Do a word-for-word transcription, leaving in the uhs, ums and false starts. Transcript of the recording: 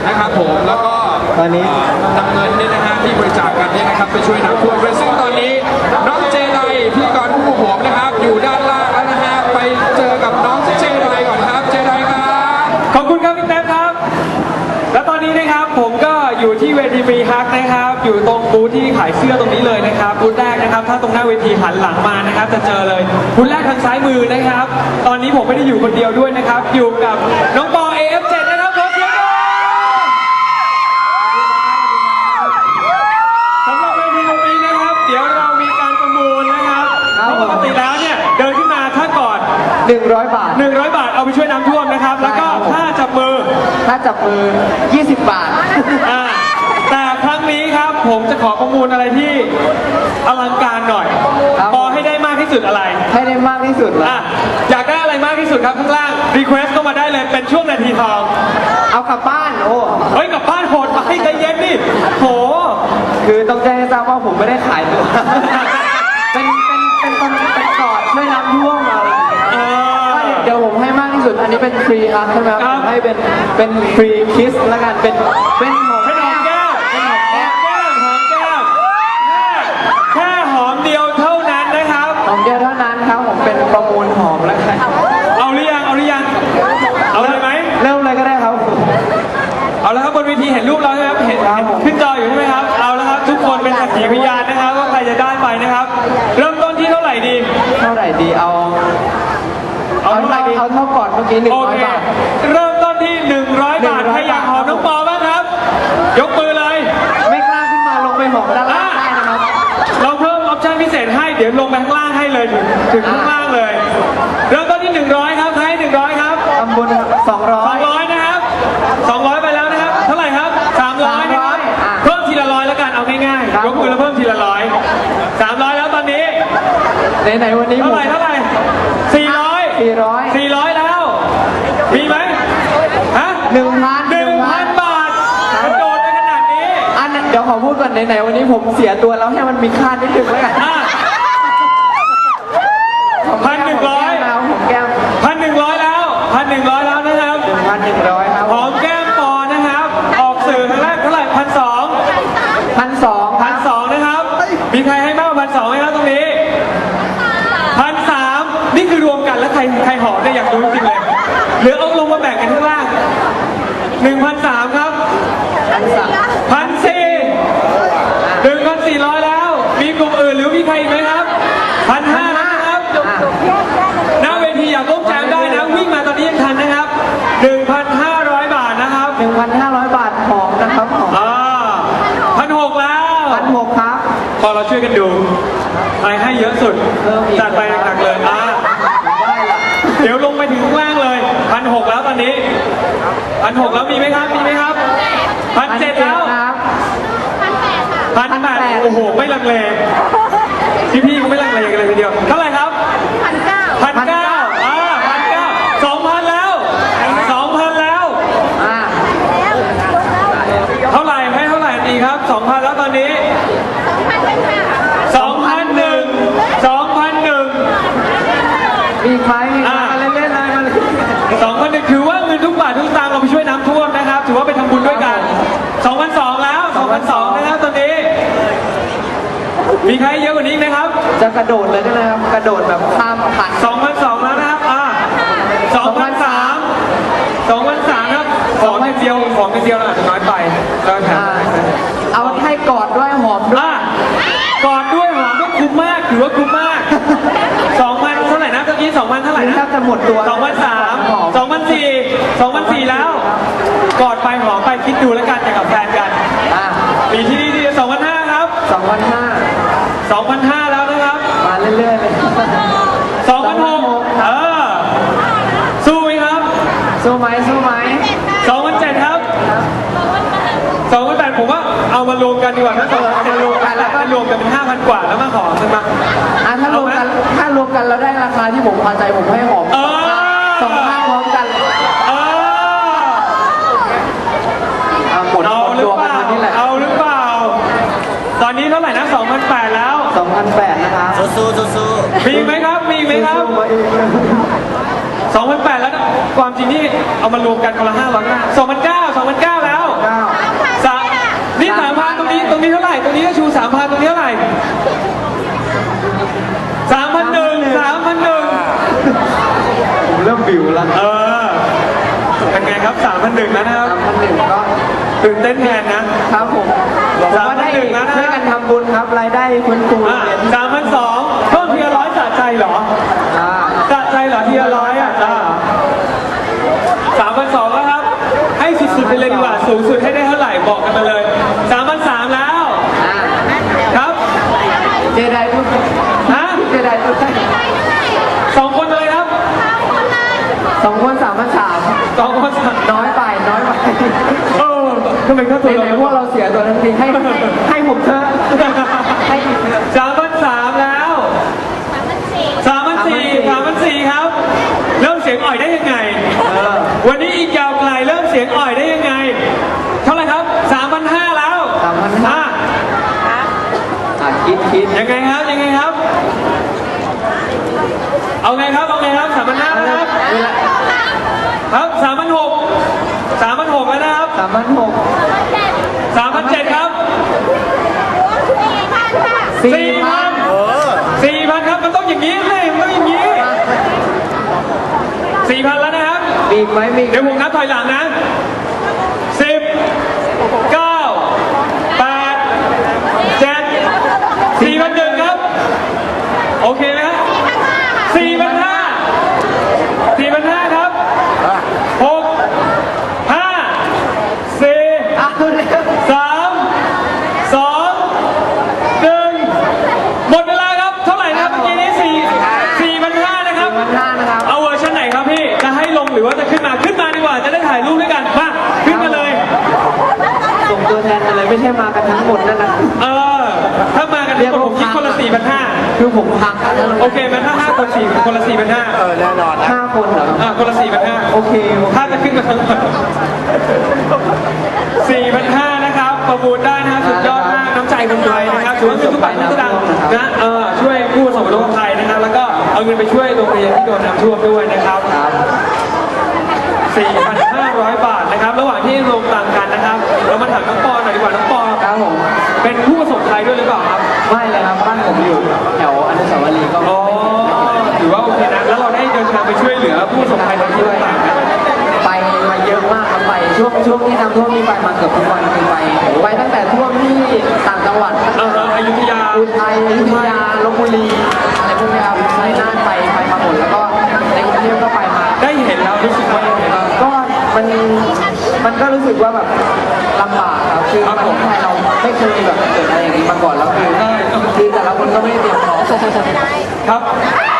นะครับผมแล้วก็ตอนนี้นำเงินเนี่ยนะฮะที่บริจาคกันเนี่ยนะครับไปช่วยน้ำท่วมด้วยซึ่งตอนนี้น้องเจไดพิธีกรผู้ผมนะครับอยู่ด้านล่างแล้วนะฮะไปเจอกับน้องเจไดก่อนครับเจไดครับขอบคุณครับพี่เต้ครับและตอนนี้นะครับผมก็อยู่ที่เวทีฟรีฮักนะครับอยู่ตรงบูธที่ขายเสื้อตรงนี้เลยนะครับบูธแรกนะครับถ้าตรงหน้าเวทีหันหลังมานะครับจะเจอเลยบูธแรกทางซ้ายมือนะครับตอนนี้ผมไม่ได้อยู่คนเดียวด้วยนะครับอยู่กับน้องปอ เอ เอฟ เจ็ด นะครับขอเสียงหน่อยสำหรับเวทีตรงนี้นะครับเดี๋ยวเรามีการประมูลนะครับปกติแล้วเนี่ยเดินขึ้นมาถ้าก่อนหนึ่งร้อยบาทหนึ่งร้อยบาทเอาไปช่วยน้ำท่วมนะครับแล้วก็ถ้าจับมือถ้าจับมือยี่สิบบาทแต่ครั้งนี้ครับผมจะขอประมูลอะไรที่อลังการหน่อยพอให้ได้มากที่สุดอะไรให้ได้มากที่สุดอ่ะอยากได้อะไรมากที่สุดครับข้างล่างรีเควสก็มาได้เลยเป็นช่วงนาทีทองเอากลับบ้านโอ้เฮ้ยกลับบ้านโหดไปใจเย็นดิโหคือต้องแจ้งให้ทราบว่าผมไม่ได้ขายตัวเป็นเป็นเป็นคนเป็นกอดช่วยน้ำท่วมอะไรเดี๋ยวผมให้มากที่สุดอันนี้เป็นฟรีครับใช่ไหมครับผมให้เป็นเป็นฟรีคิสแล้วกันเป็นเป็นหอมแก้มเป็นหอมแก้มหอมแก้มแค่หอมเดียวเท่านั้นนะครับหอมเดียวเท่านั้นครับผมเป็นประมูลหอมแล้วกันเอาหรือยังเอาหรือยังเอาเลยไหมเริ่มเลยก็ได้ครับเอาแล้วครับบนเวทีเห็นรูปเราใช่ไหมครับเห็นขึ้นจออยู่ใช่ไหมครับเอาแล้วครับทุกคนเป็นสักขีพยานนะครับว่าใครจะได้ไปนะครับเริ่มต้นที่เท่าไหร่ดีเท่าไหร่ดีเอาเอาเท่าเอาเท่าก่อนเมื่อกี้หนึ่งร้อยบาทเริ่มต้นที่หนึ่งร้อยบาทใครอยากหอมน้องปอบ้างครับยกมือเลยไม่กล้าขึ้นมาลงไปหอมด้านล่างได้นะครับเราเพิ่มออปชั่นพิเศษให้เดี๋ยวลงไปข้างล่างให้เลยถึงถึงข้างล่างเลยเริ่มต้นที่หนึ่งร้อยครับใครหนึ่งร้อยครับทำบุญสองร้อยสองร้อยนะครับสองร้อยไปแล้วนะครับเท่าไหร่ครับสามร้อยนะครับเพิ่มทีละร้อยแล้วกันเอาง่ายๆยกมือแล้วเพิ่มทีละร้อยสามร้อยแล้วตอนนี้ไหนๆวันนี้เท่าไหร่เท่าไหร่สี่ร้อยสี่ร้อยสี่ร้อยแล้วมีไหมฮะหนึ่งพันหนึ่งพันบาทกระโดดได้ขนาดนี้อันเดี๋ยวขอพูดก่อนไหนๆวันนี้ผมเสียตัวแล้วให้มันมีค่านิดนึงแล้วกันพันหนึ่งร้อยผมแก้มพันหนึ่งร้อยแล้วพันหนึ่งร้อยแล้วนะครับหนึ่งพันหนึ่งร้อยครับหอมแก้มปอนะครับออกสื่อครั้งแรกเท่าไหร่พันสองพันสองพันสองนะครับมีใครให้มากกว่าพันสองไหมครับตรงนี้พันสามนี่คือรวมกันแล้วใครใครหอมเนี่ยอยากรู้จริงเลยหรือเอาลงมาแบ่งกันข้างล่างหนึ่งพันสามครับพันสามพันสี่หนึ่งพันสี่ร้อยแล้วมีกลุ่มอื่นหรือมีใครอีกไหมครับพันห้านะครับหน้าเวทีอยากร่วมแจมได้นะวิ่งมาตอนนี้ยังทันนะครับหนึ่งพันห้าร้อยบาทนะครับหนึ่งพันห้าร้อยบาทหอมนะครับหอมอ่าพันหกแล้วพันหกครับพอเราช่วยกันดูใครให้เยอะสุดจัดไปหนักๆเลยอ่าเดี๋ยวลงไปถึงข้างล่างเลยพันหกแล้วตอนนี้พันหกแล้วมีไหมครับมีไหมครับพันเจ็ดแล้วพันแปดโอ้โหไม่ลังเลพี่ๆเขาไม่ลังเลกันเลยทีเดียวเท่าไหร่ครับพันเก้าพันเก้าอ่าพันเก้าสองพันแล้วสองพันแล้วอ่าเท่าไหร่ให้เท่าไหร่ดีครับสองพันแล้วตอนนี้สองพันหนึ่งสองพันหนึ่งมีใครมาเล่นๆเลยมาสองพันหนึ่งถือว่าเงินทุกบาททุกสตางค์เราไปช่วยน้ำท่วมนะครับถือว่าไปทำบุญด้วยกันสองพันสองแล้วสองพันสองนะครับตอนนี้มีใครเยอะกว่านี้ไหมครับจะกระโดดเลยนะครับกระโดดแบบข้ามผ่านสองพันสองแล้วนะครับอ่าสองพันสามสองพันสามครับของเดียวของเดียวเราอาจจะน้อยไปแล้วแถมเอาให้กอดด้วยหอมด้วยกอดด้วยหอมก็คุ้มมากถือว่าคุ้มมากสองพันเท่าไหร่นะเมื่อกี้สองพันเท่าไหร่นะจะหมดตัวสองพันสามสองพันสี่สองพันสี่แล้วกอดไปหอมไปคิดดูแล้วกันอย่างกับแฟนกันปีที่นี่ที่สองพันห้าครับสองพันห้าสองพันห้าแล้วนะครับมาเรื่อยๆเลยสองพันหกเออสู้ไหมครับสู้ไหมสู้ไหมสองพันเจ็ดครับสองพันแปดผมว่าเอามารวมกันดีกว่านะเอามารวมกันแล้วก็รวมกันเป็นห้าพันกว่าแล้วมาขอขึ้นมาอ่ะถ้ารวมกันถ้ารวมกันเราได้ราคาที่ผมพอใจผมให้หอมสองห้าพร้อมกันเออหมดเอาหรือเปล่าเอาหรือเปล่าตอนนี้เท่าไหร่นะสองพันแปดแล้วสองพันแปดนะครับสู้ๆสู้ๆมีไหมครับมีไหมครับสองพันแปดแล้วความจริงนี่เอามารวมกันคนละห้าร้อยห้าสองพันเก้าสองพันเก้าแล้วเท่าไหร่ตรงนี้ก็ชูสามพันตรงนี้เท่าไหร่สามพันหนึ่งสามพันหนึ่งผมเริ่มบิวแล้วเออเป็นไงครับสามพันหนึ่งแล้วนะครับสามพันหนึ่งก็ตื่นเต้นแทนนะครับผมผมว่าได้สามพันหนึ่งแล้วนะช่วยกันทำบุญครับรายได้ฟื้นฟูอ่ะเรียนสามพันสองเพิ่มทีละร้อยสะใจเหรออ่าสะใจเหรอทีละร้อยอ่ะสามพันสองแล้วครับ ให้สุดๆไปเลยดีกว่าสูงสุดให้ได้เท่าไหร่บอกกันมาเลยสามพันสามแล้วอ่าครับเจไดพูดฮะเจไดพูดได้สองคนเลยครับสองคนสามพันสามสองคนสามน้อยไปน้อยไปเออทำไมค่าตัวไหนๆพวกเราเสียตัวทั้งทีให้ให้ให้ผมเถอะให้อีกเถอะสามพันสามแล้วสามพันสี่สามพันสี่ครับ เริ่มเสียงอ่อยได้ยังไงเออวันนี้อีกยาวไกลเริ่มเสียงอ่อยได้ยังไง เท่าไหร่ครับสามพันห้าแล้วสามพันห้าอ่ะอ่ะคิดคิดยังไงครับยังไงครับ เอาไงครับเอาไงครับสามพันห้าแล้วนะครับเวลาครับสามพันหกสามพันหกแล้วนะครับสามพันหกสามพันเจ็ดครับสี่สี่พัพันนสี่พันครับมันต้องอย่างนี้เลยมันต้องอย่างนี้สี่พันแล้วนะครับมีอีกไหมมีอีกเดี๋ยวผมนับถอยหลังนะสิบเก้าแปดเจ็ดสี่พันหนึ่งครับ โอเคไหมครับสี่พันห้าสี่พันห้าครับหกห้าสี่อ่ะเร็วสามสองหนึ่งหมดเวลาครับ เท่าไหร่นะครับเมื่อกี้นี้สี่สี่พันห้านะครับสี่พันห้านะครับเอาเวอร์ชันไหนครับพี่ จะให้ลงหรือว่าจะขึ้นมา ขึ้นมาดีกว่า จะได้ถ่ายรูปด้วยกัน มา ขึ้นมาเลยส่งตัวแทนมาเลยไม่ใช่มากันทั้งหมดนั่นนะเออ ถ้ามากันทั้งหมดผมคิดคนละสี่พันห้าคือผมพังกันแล้วโอเคมันถ้าห้าคนสี่คนละสี่พันห้าเออแน่นอนนะห้าคนเหรออ่าคนละสี่พันห้าโอเคถ้าจะขึ้นมาทั้งหมดสี่พันห้านะครับ ประมูลได้นะครับสุดยอดมากน้ำใจคนไทยนะครับถือว่าเป็นทุกบาททุกสตางค์นะเออช่วยผู้ประสบอุทกภัยนะครับ แล้วก็เอาเงินไปช่วยโรงเรียนที่โดนน้ำท่วมด้วยนะครับครับสี่พันห้าร้อย บาทนะครับ ระหว่างที่ลงตังกันนะครับ เรามาถามน้องปอหน่อยดีกว่าน้องปอครับผมเป็นผู้ประสบภัยด้วยหรือเปล่าครับไม่เลยครับบ้านผมอยู่แถวอนุสาวรีย์ก็อ๋อถือว่าโอเคนะ แล้วเราได้เดินทางไปช่วยเหลือผู้ประสบภัยในที่ต่างๆนะไปมาเยอะมากครับไปช่วงช่วงที่น้ำท่วมนี่ไปมาเกือบทุกวันคือไปไปตั้งแต่ท่วมที่ต่างจังหวัดเอออยุธยาอุทัยอยุธยาลบบุรีอะไรพวกนี้ครับชัยนาทไปไปมาหมดแล้วก็ในกรุงเทพก็ไปมาได้เห็นแล้วรู้สึกว่ายังไงบ้างก็มันมันก็รู้สึกว่าแบบลำบากครับคือครับประผมเทศไทยเราไม่เคยแบบเกิดอะไรอย่างนี้มาก่อนแล้วคือคือแต่ละคนก็ไม่ได้เตรียมพร้อมครับ